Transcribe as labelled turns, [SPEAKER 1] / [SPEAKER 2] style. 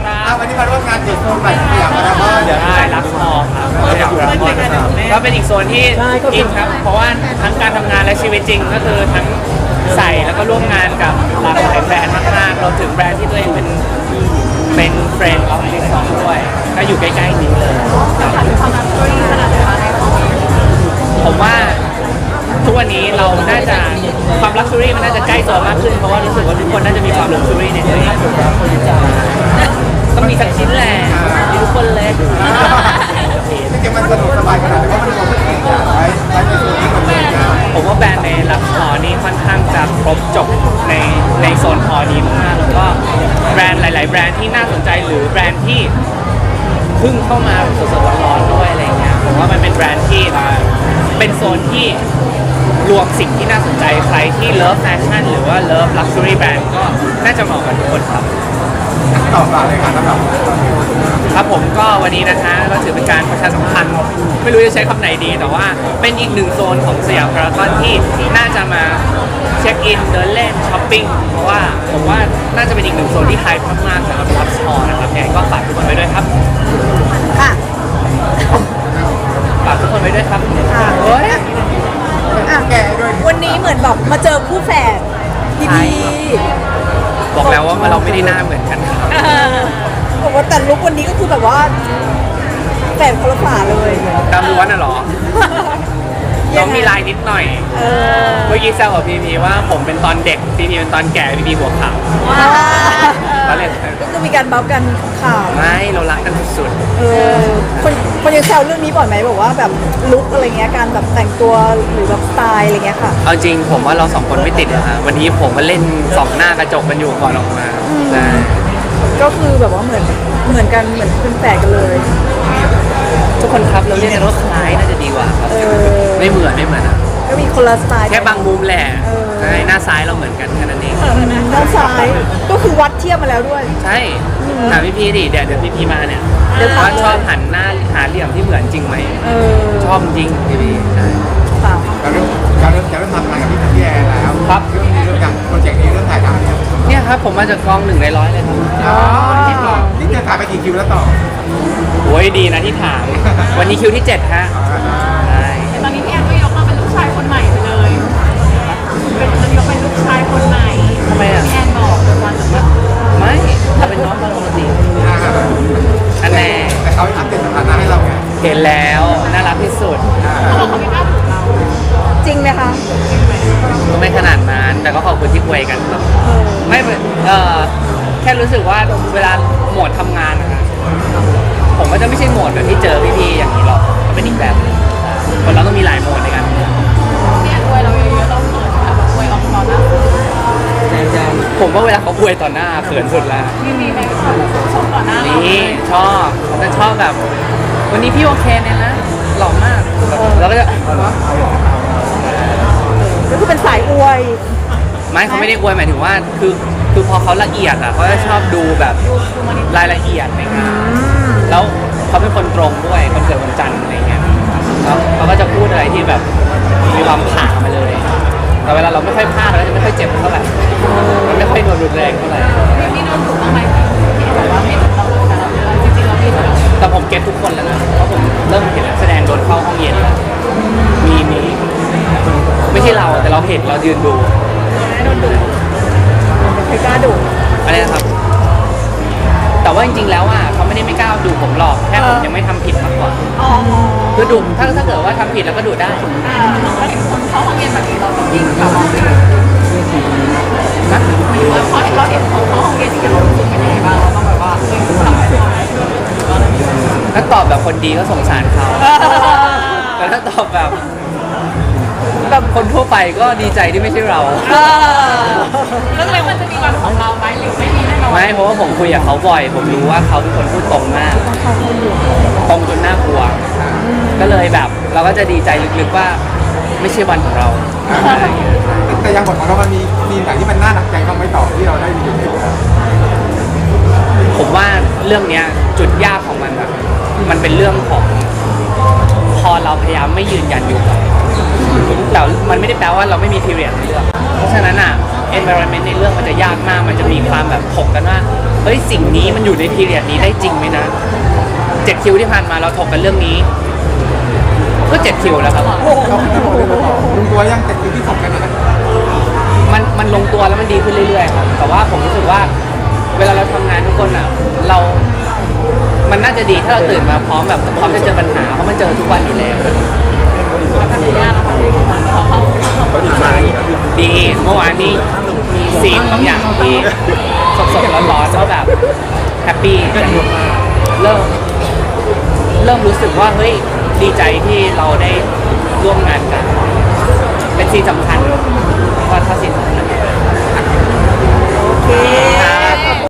[SPEAKER 1] วันนี้มาร่วมงานเปิดโซนใหม่สยามพารากอนเดี๋ยว
[SPEAKER 2] ได้รักพอครับก็เป็นอีกโซนที่อินครับเพราะว่าทั้งการทำงานและชีวิตจริงก็คือทั้งใส่แล้วก็ร่วมงานกับหลากหลายแบรนด์มากๆเราถึงแบรนด์ที่ตัวเองเป็นเฟรนด์ของลิซองด้วยก็อยู่ใกล้ๆนี้เลยผมว่าทุกวันนี้เราน่าจะความลักชัวรี่มันน่าจะใกล้ตัวมากขึ้นเพราะว่ารู้สึกว่าทุกคนน่าจะมีความลักชัวรี่ในตัวเองต้องมีสักชิ้นแหละมีทุกคนเลย
[SPEAKER 1] จริงๆมันสนุกสบายขนาดไหนเพราะมันรวมทุกสิ่งอย่างไว้ในโซนนี้หมดเลยนะ
[SPEAKER 2] ผมว่าแบรนด์ในลักพอนี้ค่อนข้างจะครบจบในโซนพอนี้มากๆแล้วก็แบรนด์หลายๆแบรนด์ที่น่าสนใจหรือแบรนด์ที่เพิ่งเข้ามาสดๆร้อนๆด้วยอะไรเงี้ยผมว่ามันเป็นแบรนด์ที่เป็นโซนที่รวมสิ่งที่น่าสนใจใครที่เลิฟแฟชั่นหรือว่าเลิฟลักชัวรี่แบรนด์ก็น่าจะเหมาะกับทุกคนครับ
[SPEAKER 1] ต่อมาเลยครับสำหรับ
[SPEAKER 2] ครับผมก็วันนี้นะฮะก็ถือเป็นการประชาสัมพันธ์ไม่รู้จะใช้คำไหนดีแต่ว่าเป็นอีกหนึ่งโซนของสยามพารากอนที่น่าจะมาเช็คอินเดินเล่นช้อปปิ้งเพราะว่าผมว่าน่าจะเป็นอีกหนึ่งโซนที่ไฮมากๆสำหรับลักพอนะครับยังไงก็ฝากทุกคนไว้ด้วยครับ
[SPEAKER 3] ค่ะ
[SPEAKER 2] ฝากทุกคนไว้ด้วยครับ
[SPEAKER 3] ค่ะ
[SPEAKER 2] โอ้ย
[SPEAKER 3] อ่ะ
[SPEAKER 1] แกด้วย
[SPEAKER 3] วันนี้เหมือนแบบมาเจอคู่แฝดพี่พี
[SPEAKER 2] บอกแล้วว่าเราไม่ได้หน้าเหมือนกันครับ
[SPEAKER 3] บอกว่าแต่ลุกวันนี้ก็คือแบบว่าแฝดคนละฝาเลย
[SPEAKER 2] ตามล้วนน่ะเหรอน้องมีลายนิดหน่อย
[SPEAKER 3] เออ
[SPEAKER 2] เมื่อกี้แซวกับพีพีว่าผมเป็นตอนเด็กพีพีเป็นตอนแก่พีพีหัวขาว
[SPEAKER 3] ว้า
[SPEAKER 2] ตอนเล่น
[SPEAKER 3] ก็คือมีการบัฟกันข่าว
[SPEAKER 2] ไม่เรารักกันสุด
[SPEAKER 3] เออคนยังแซวเรื่องนี้บ่อยไหมบอกว่าแบบลุกอะไรเงี้ยการแบบแต่งตัวหรือแบบสไตล์อะไรเงี้ยค่ะ
[SPEAKER 2] ๆเอาจริงผมว่าเราสองคนไม่ติดนะฮะวันนี้ผมมาเล่นสองหน้ากระจกกันอยู่ก่อนออกมาใช่
[SPEAKER 3] ก็คือแบบว่าเหมือนกันเหมือนเป็นแฝดกันเลย
[SPEAKER 2] ทุกคนครับเราเรียกกันว่าคล้ายน่าจะดีกว่าครับ
[SPEAKER 3] เออ
[SPEAKER 2] ไม่เหมือนนะ
[SPEAKER 3] ก็มีคนละสไตล์
[SPEAKER 2] แค่บางมุมแหละ
[SPEAKER 3] เออ
[SPEAKER 2] ใช่หน้าซ้ายเราเหมือนกันแค่นั้นเอง
[SPEAKER 3] ด้านซ้ายก็คือวัดเทียบมาแล้วด้วย
[SPEAKER 2] ใช่ถามพี่พีดิเดี๋ยวพี่พีมาเนี่ย
[SPEAKER 3] เดี๋ยวถาม
[SPEAKER 2] ว่าชอบหันหน้าหาเหลี่ยมที่เหมือนจริงไหม
[SPEAKER 3] เออ
[SPEAKER 2] ชอบจริงพี่พีใช่
[SPEAKER 3] ค่ะ
[SPEAKER 1] จะเริ่มทำงานกับพี่แอร์แล้ว
[SPEAKER 2] ครับ
[SPEAKER 1] เรื่องการโปรเจกต์นี้เรื่องถ่ายทำเนี่ย
[SPEAKER 2] เนี่ยครับผมมาจากกอง1 ใน 100เลยครับ
[SPEAKER 1] อ๋อนี่จะถ่ายไปกี่คิวแล้วต่อ
[SPEAKER 2] โอ้ยดีนะที่ถาม วันนี้คิวที่ 7 ฮะใช่
[SPEAKER 4] ตอนนี้พี่แอนก็ยกมาเป็นลูกชายคนใหม่ไปเลยจะยกเป็นลูกชายคนใหม่
[SPEAKER 2] ทำไมอ่ะ
[SPEAKER 4] พี่แอนบอกวันจะแบบ
[SPEAKER 2] ไม่เราเป็นน้องกันปกติอันแน่
[SPEAKER 1] แต่เขาอัปเดตสถานะให้เราไง
[SPEAKER 2] เห็นแล้วน่ารักที่สุด
[SPEAKER 4] เขาบอกเขาไม่กล้าถูกเรา
[SPEAKER 3] จริงไหมคะ
[SPEAKER 2] ก็ไม่ขนาดนั้นแต่ก็ขอบคุณที่คุยกันครับ
[SPEAKER 3] เออ
[SPEAKER 2] ไม่แค่รู้สึกว่าเวลาโหมดทำงานนะครับผมก็จะไม่ใช่โหมดแบบที่เจอพี่ๆอย่างนี้หรอกก็เป็นอีกแบบหนึ่งคนเราต้องมีหลายโหมดในการทำงาน
[SPEAKER 4] พี่แอนอวยเราเยอะๆเราเขินค่ะแบบอวยออกตอนหน้า
[SPEAKER 2] ผมว่าเวลาเขาอวยต่อหน้าเขินสุดแล้ว
[SPEAKER 4] มีไหมชมต่อหน้าเรา
[SPEAKER 2] นี่ชอบแต่ชอบแบบ วันนี้พี่โอเคเนี่ยนะหล่อมากแบบแล้วก็จะ
[SPEAKER 3] ก็คือเป็นสายอวย
[SPEAKER 2] ไม่เขาไม่ได้อวยหมายถึงว่าคือพอเขาละเอียดอ่ะเขาจะชอบดูแบบรายละเอียดในงานแล้วเขาเป็นคนตรงด้วยคนเกิดวันจันทร์อะไรเงี้ยแล้วเขาก็จะพูดอะไรที่แบบมีความผ่ามาเลย แต่เวลาเราไม่ค่อยพลาดเราจะไม่ค่อยเจ็บเท่าไหร่มันไม่ค่อยรุนแรงเท่าไหร่
[SPEAKER 4] พี่โดนถูกบ้างไหมพี่บอกว่าไม่ถูกเราแต่เราจริงๆเราพี่ถูก
[SPEAKER 2] แต่ผมเก็ตทุกคนแล้วนะเพราะผมเริ่มเห็นนักแสดงโดนเข้าห้องเย็นแล้วมีไม่ใช่เราแต่เราเห็นเรายืนดู
[SPEAKER 3] โดนดุใครกล้าดุ
[SPEAKER 2] อะไรนะครับ แต่ว่าจริงๆแล้วอ่ะเขาไม่ได้ไม่กล้าดูผมหรอกแค่ผมยังไม่ทำผิดมากกว่า
[SPEAKER 3] อ๋อ
[SPEAKER 2] คือดุถ้าเกิดว่าทำผิดแล้วก็ดุได้
[SPEAKER 4] เราเห็นคนเขาห้องเรียนแบบนี้เราต้องยิ่งแบบว่า
[SPEAKER 2] นะ
[SPEAKER 4] พอเราเห็นเขาห้องเรียนจริงๆเรารู้สึกเป็นยังไงบ้างเราต้องแบบว่าเฮ้ยทำตัว
[SPEAKER 2] ถ้าตอบแบบคนดีก็สงสารเขาแต่ถ้าตอบแบบคนทั่วไปก็ดีใจที่ไม่ใช่เรา
[SPEAKER 4] แล้วทำไมมันจะมีวันของเราไหมหรือไม่มีแน่นอน
[SPEAKER 2] ไม่เพราะว่าผมคุยกับเขาบ่อย ผมรู้ว่าเขาเป็นคนพูดตรงมาก ตรงจนน่ากลัว ก็เลยแบบ เราก็จะดีใจลึกๆว่าไม่ใช่วันของเรา
[SPEAKER 1] แต่ยังบทของเรามันมีไหนที่มันน่าหนักใจบ้างไหมต่อที่เราได้มีอยู่ใน
[SPEAKER 2] ผมว่าเรื่องเนี้ยจุดยากของมันอะมันเป็นเรื่องของพอเราพยายามไม่ยืนยันอยู่กับแต่มันไม่ได้แปลว่าเราไม่มี period ในเรื่องเพราะฉะนั้นอ่ะ environment ในเรื่องมันจะยากมากมันจะมีความแบบถกกันว่าเฮ้ยสิ่งนี้มันอยู่ในพีเรียดนี้ได้จริงไหมนะ7 คิวที่ผ่านมาเราถกกันเรื่องนี้ก็7 คิวแล้วครับ
[SPEAKER 1] เราไม่หมดเลยลุงตัวยังแต่คิวที่สองกันนะ
[SPEAKER 2] มันลงตัวแล้วมันดีขึ้นเรื่อยๆครับแต่ว่าผมรู้สึกว่าเวลาเราทำงานทุกคนอ่ะมันน่าจะดีถ้าเราตื่นมาพร้อมจะเจอปัญหาเพราะมันเจอทุกวันอยู่แล้ว
[SPEAKER 4] พัทยาเราไปขอเข้า
[SPEAKER 1] เขาอีกมาอีก
[SPEAKER 2] ดีเมื่อวานนี้มีซีนบางอย่างที่สดๆร้อนๆแล้วแบบแฮปปี้เริ่มรู้สึกว่าเฮ้ยดีใจที่เราได้ร่วมงานกัน เป็นซีนสำคัญว่าถ้าซีนสำคัญ
[SPEAKER 3] โอเค